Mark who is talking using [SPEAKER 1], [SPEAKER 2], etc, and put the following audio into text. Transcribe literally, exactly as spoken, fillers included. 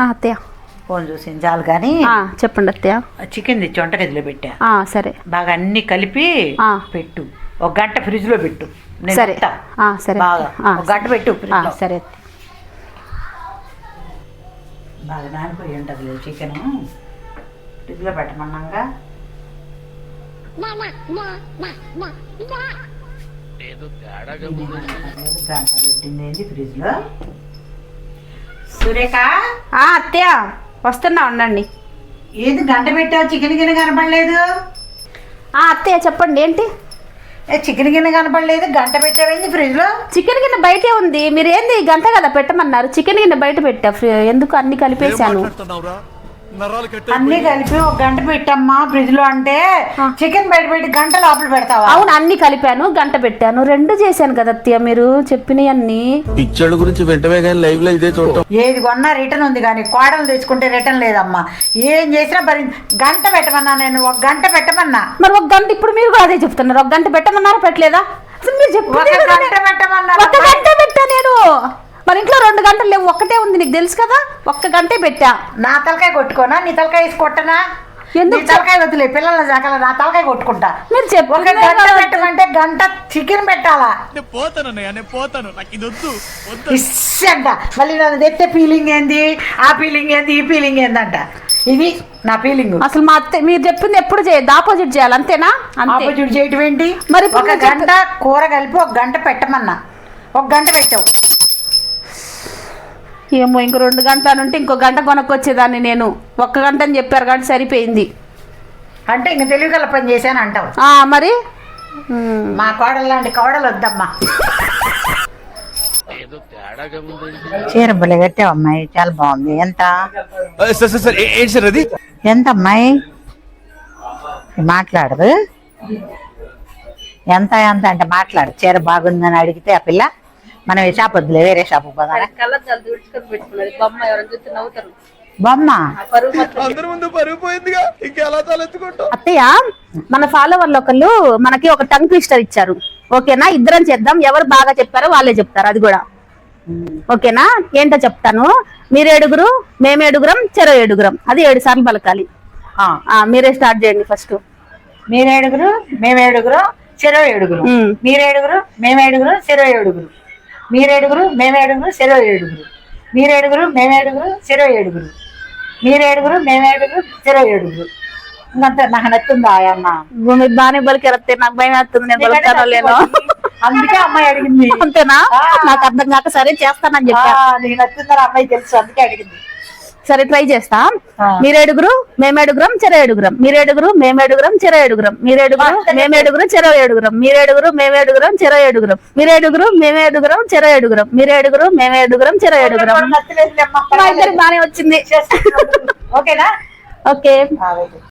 [SPEAKER 1] అత్తయ్య
[SPEAKER 2] ఫోన్ చూసింది చాలు కానీ
[SPEAKER 1] చెప్పండి అత్తయ్య.
[SPEAKER 2] చికెన్ తెచ్చి వంటగదిలో పెట్టా.
[SPEAKER 1] సరే
[SPEAKER 2] బాగా అన్ని కలిపి పెట్టు, ఒక గంట ఫ్రిడ్జ్ లో పెట్టు.
[SPEAKER 1] సరే సరే
[SPEAKER 2] బాగా ఒక గంట పెట్టు.
[SPEAKER 1] సరే
[SPEAKER 2] బాగా నానిపోయి ఉంటుంది లేదు చికెన్, ఫ్రిడ్జ్ లో పెట్టమన్నాగా. గంట పెట్టింది ఏంటి ఫ్రిడ్జ్ లో. సురేఖ
[SPEAKER 1] అత్తయ్య వస్తున్నా ఉండండి.
[SPEAKER 2] ఏది గంట పెట్టావు, చికెన్ గిన్నె కనపడలేదు.
[SPEAKER 1] అత్తయ్య చెప్పండి ఏంటి?
[SPEAKER 2] చికెన్ గిన్నె కనపడలేదు, గంట పెట్టావేంది ఫ్రిడ్జ్ లో?
[SPEAKER 1] చికెన్ గిన్నె బయటే ఉంది. మీరు ఏంది గంట కదా పెట్టమన్నారు, చికెన్ గిన్నె బయట పెట్టా. ఎందుకు అన్ని కలిపేశాను.
[SPEAKER 2] అన్ని కలిపి ఒక గంట పెట్టమ్మా ఫ్రిడ్జ్ లో అంటే చికెన్ బయట పెట్టి గంట లోపల పెడతావా?
[SPEAKER 1] అవును, అన్ని కలిపాను, గంట పెట్టాను, రెండు చేశాను కదా అత్తయ్య మీరు చెప్పినవన్నీ.
[SPEAKER 3] పిక్చర్ గురించి వెంటనే కానీ లైవ్ లో ఇదే చూడటం.
[SPEAKER 2] ఏది కొన్నా రిటర్న్ ఉంది కానీ కోడలు తెచ్చుకుంటే రిటర్న్ లేదమ్మా. ఏం చేసినా మరి గంట పెట్టమన్నా, నేను ఒక గంట పెట్టమన్నా.
[SPEAKER 1] మరి ఒక గంట ఇప్పుడు మీరు కూడా అదే చెప్తున్నారు, ఒక గంట పెట్టమన్నారా పెట్టలేదా? మీరు చెప్పు.
[SPEAKER 2] ఒక గంట పెట్టమన్నా.
[SPEAKER 1] ఒక గంట పెట్టా నేను. మన ఇంట్లో రెండు గంటలు లేవు, ఒక్కటే ఉంది, నీకు తెలుసు కదా. ఒక్క గంటే పెట్టా.
[SPEAKER 2] నా తలకాయ కొట్టుకోనా, నీ తలకాయ వేసి కొట్టనా? ఎందుకు తలకాయ వద్దులే, పిల్లల జాకల నా తలకాయ కొట్టుకుంటా.
[SPEAKER 1] మీరు చెప్పు.
[SPEAKER 2] ఒక గంట పెట్టమంటే గంట చికెన్ పెట్టాలా? ఇస్సంట మళ్ళీ నన్ను తెచ్చే ఫీలింగ్ ఏంది, ఆ ఫీలింగ్ ఏంది, ఈ ఫీలింగ్ ఏందంట. ఇది నా ఫీలింగ్.
[SPEAKER 1] అసలు మా అత్త మీరు చెప్పింది ఎప్పుడు చేయదు, ఆపోజిట్ చేయాలి అంతేనా?
[SPEAKER 2] ఆపోజిట్ చేయటం ఏంటి?
[SPEAKER 1] మరి
[SPEAKER 2] ఒక గంట కూర కలిపి ఒక గంట పెట్టమన్నా, ఒక గంట పెట్టావు.
[SPEAKER 1] ఏమో ఇంకో రెండు గంటల నుండి ఇంకో గంట కొనక్కొచ్చేదాన్ని నేను. ఒక్క గంట అని చెప్పారు కాబట్టి సరిపోయింది.
[SPEAKER 2] అంటే ఇంక తెలివిగల పని చేశాను అంటావు.
[SPEAKER 1] మరి
[SPEAKER 2] మా కోడలు లాంటి కోడలు వద్దమ్మా. చీర బలి కట్టావు అమ్మాయి, చాలా బాగుంది. ఎంత ఎంత అమ్మాయి మాట్లాడదు? ఎంత ఎంత అంటే మాట్లాడు. చీర బాగుందని అడిగితే ఆ పిల్ల మనం షాప్ వద్దులే వేరే షాప్ పోదా. బొమ్మ
[SPEAKER 1] అత్తయ్య మన ఫాలోవర్లు ఒకళ్ళు మనకి ఒక టంగ్ ట్విస్టర్ ఇచ్చారు. ఓకేనా, ఇద్దరం చేద్దాం, ఎవరు బాగా చెప్పారో వాళ్ళే చెప్తారు. అది కూడా ఓకేనా? ఏంటో చెప్తాను. మీరు ఏడుగురు మేము ఏడుగురం చెరో ఏడుగురం, అది ఏడు సార్లు పలకాలి. మీరే స్టార్ట్ చేయండి ఫస్ట్.
[SPEAKER 2] మీరేడుగురు మేమేడుగురు చెరో ఏడుగురు, మీరేడుగురు మేమేడుగురు చెరో ఏడుగురు, మీరేడుగురు మేమేడుగురు చెరో ఏడుగురు, మీరేడుగురు మేమేడుగురు చెరో ఏడుగురు, మీరేడుగురు మేమేడుగురు చెరో ఏడుగురు. ఇంకంతా నాకు నచ్చుందా అమ్మ?
[SPEAKER 1] మీరు బాగానే బలికెళ్తే నాకు భయం వేస్తుంది, నేను బలుకుతానో లేనో.
[SPEAKER 2] అందుకే అమ్మాయి అడిగింది.
[SPEAKER 1] అంతేనా? నాకు అర్థం కాక సరే చేస్తానని చెప్పా.
[SPEAKER 2] నీకు నచ్చిందని అమ్మాయి తెలుసు, అందుకే అడిగింది.
[SPEAKER 1] సరే ట్రై చేస్తా. మీరేడుగురు మేమేడుగురం చెర ఏడుగురం, మీరేడుగురు మేమేడుగురం చెర ఏడుగురం, మీరేడుగురు మేమేడుగురు చెర ఏడుగురం, మీరేడుగురు మేమేడుగురం చెర ఏడుగురం, మీరేడుగురు మేమేడుగురం చెర ఏడుగురం, మీరేడుగురు మేమేడుగురం చెర ఏడుగురం. బానే వచ్చింది.
[SPEAKER 2] ఓకేనా?
[SPEAKER 1] ఓకే.